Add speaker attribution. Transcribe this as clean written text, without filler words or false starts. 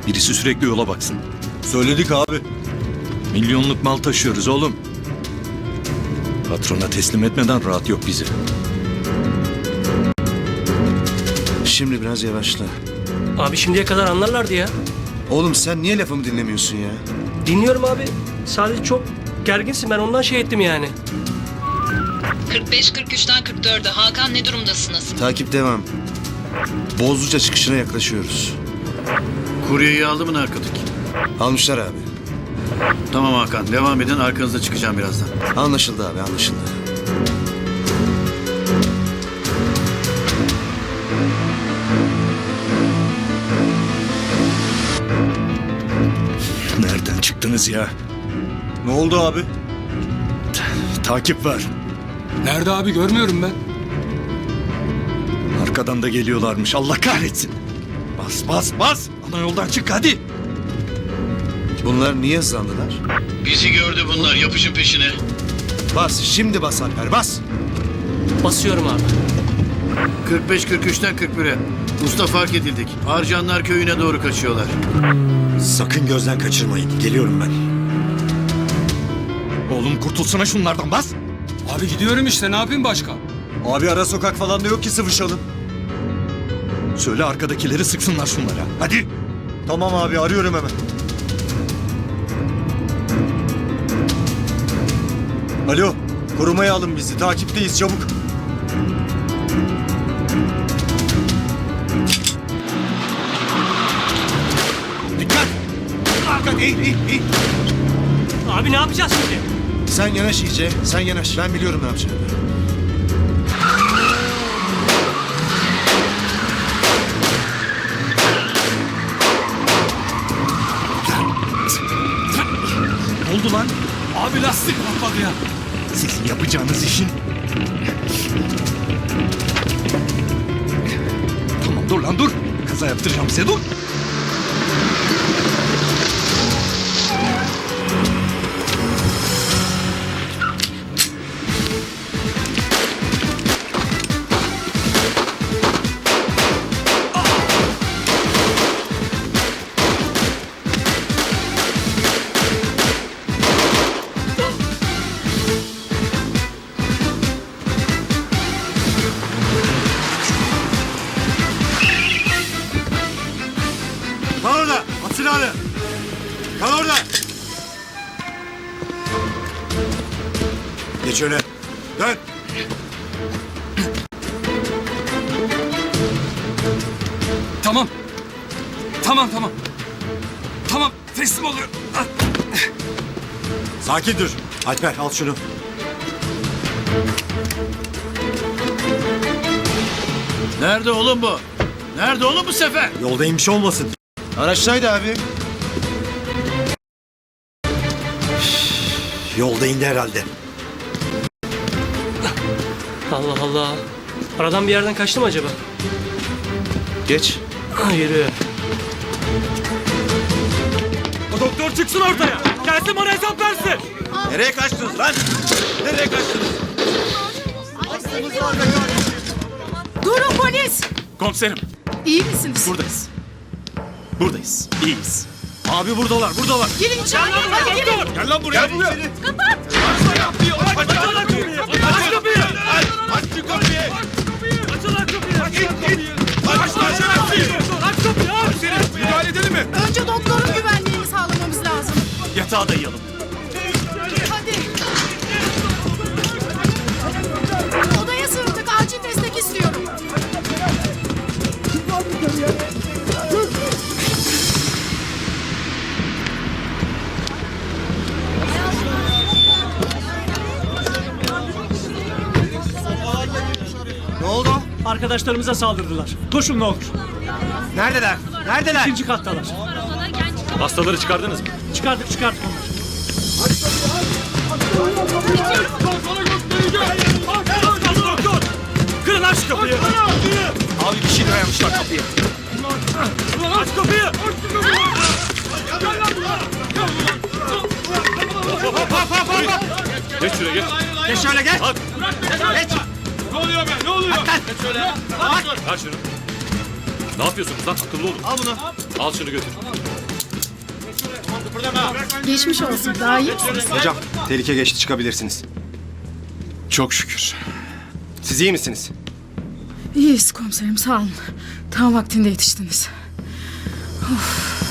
Speaker 1: Birisi sürekli yola baksın.
Speaker 2: Söyledik abi.
Speaker 1: Milyonluk mal taşıyoruz oğlum. Patrona teslim etmeden rahat yok bizi.
Speaker 2: Şimdi biraz yavaşla.
Speaker 3: Abi şimdiye kadar anlarlardı ya.
Speaker 2: Oğlum sen niye lafımı dinlemiyorsun ya?
Speaker 3: Dinliyorum abi. Sadece çok gerginsin, ben ondan şey ettim yani.
Speaker 4: 45-43'ten 44'e. Hakan ne durumdasınız?
Speaker 2: Takip devam. Bozluca çıkışına yaklaşıyoruz.
Speaker 5: Kuryeyi aldı mı narkotik?
Speaker 2: Almışlar abi.
Speaker 5: Tamam Hakan, devam edin, arkanızda çıkacağım birazdan.
Speaker 2: Anlaşıldı abi, anlaşıldı.
Speaker 1: Nereden çıktınız ya?
Speaker 2: Ne oldu abi?
Speaker 1: Takip var.
Speaker 6: Nerede abi, görmüyorum ben.
Speaker 1: Arkadan da geliyorlarmış. Allah kahretsin. Bas bas bas. Ana yoldan çık hadi.
Speaker 2: Bunlar niye hızlandılar?
Speaker 5: Bizi gördü bunlar, yapışın peşine.
Speaker 2: Bas, şimdi bas Alper, bas.
Speaker 3: Basıyorum abi.
Speaker 5: 45-43'ten 41'e. Usta fark edildik. Arcanlar köyüne doğru kaçıyorlar.
Speaker 1: Sakın gözden kaçırmayın. Geliyorum ben. Oğlum kurtulsana şunlardan bas.
Speaker 6: Abi gidiyorum işte, ne yapayım başka?
Speaker 2: Abi ara sokak falan da yok ki sıvışalım.
Speaker 1: Söyle arkadakileri sıksınlar şunlara. Hadi.
Speaker 2: Tamam abi, arıyorum hemen. Alo, korumaya alın bizi. Takipteyiz, çabuk.
Speaker 1: Dikkat. Hakan eğil eğil eğil.
Speaker 3: Abi ne yapacağız şimdi?
Speaker 2: Sen yanaş iyice, sen yanaş. Ben biliyorum ne yapacağımı.
Speaker 1: Ne oldu lan?
Speaker 6: Abi lastik patladı ya.
Speaker 1: Sizin yapacağınız işin. Tamam dur lan dur. Kaza yaptıracağım size dur.
Speaker 2: Kal orada, at silahını. Kal orada. Geç öne. Dön.
Speaker 6: Tamam. Tamam. Tamam, teslim oluyor.
Speaker 2: Sakin dur. Alper, al şunu.
Speaker 5: Nerede oğlum bu? Nerede oğlum bu sefer?
Speaker 2: Yolda inmiş olmasın. Araçtaydı abi.
Speaker 1: Yolda indi herhalde.
Speaker 3: Allah Allah. Aradan bir yerden kaçtı mı acaba?
Speaker 2: Geç.
Speaker 3: Yürü.
Speaker 1: O doktor çıksın ortaya. Gelsin bana hesap versin.
Speaker 2: Nereye kaçtınız lan? Nereye kaçtınız?
Speaker 7: Durun polis!
Speaker 1: Komiserim
Speaker 7: İyi misiniz?
Speaker 1: buradayız. Buradayız. İyiyiz. Abi buradalar.
Speaker 7: Gelin içeri, hadi gelin!
Speaker 1: Gel lan buraya. Gel buraya.
Speaker 7: Kapat!
Speaker 1: Aç kapıyı. Aç kapıyı. Aç kapıyı. Aç şu kapıyı. Aç lan kapıyı. Aç kapıyı. Aç kapıyı. Aç. Müdahale edelim mi?
Speaker 7: Önce doktorun güvenliğini sağlamamız lazım.
Speaker 1: Yatağa dayayalım.
Speaker 7: Hadi! Odaya sığındık, acil destek istiyorum.
Speaker 2: Ne oldu?
Speaker 3: Arkadaşlarımıza saldırdılar. Koşun ne olur.
Speaker 2: Neredeler? Neredeler?
Speaker 3: İkinci kattalar.
Speaker 1: Hastaları çıkardınız mı?
Speaker 3: Çıkardık onları. Kırın aç kapıyı.
Speaker 1: Abi bir şey dayamışlar kapıya.
Speaker 3: Aç kapıyı.
Speaker 1: Geç şuraya geç.
Speaker 2: Geç şöyle geç.
Speaker 1: Hadi.
Speaker 2: Geç.
Speaker 1: Ne oluyor be? Ne oluyor?
Speaker 2: Geç şöyle.
Speaker 1: Ver şunu. Ne yapıyorsunuz lan? Akıllı olun.
Speaker 2: Al bunu.
Speaker 1: Al şunu götür.
Speaker 7: Geçmiş olsun. Daha iyi misiniz?
Speaker 8: Hocam tehlike geçti, çıkabilirsiniz.
Speaker 1: Çok şükür.
Speaker 8: Siz iyi misiniz?
Speaker 7: İyiyiz komiserim, sağ olun. Tam vaktinde yetiştiniz. Of.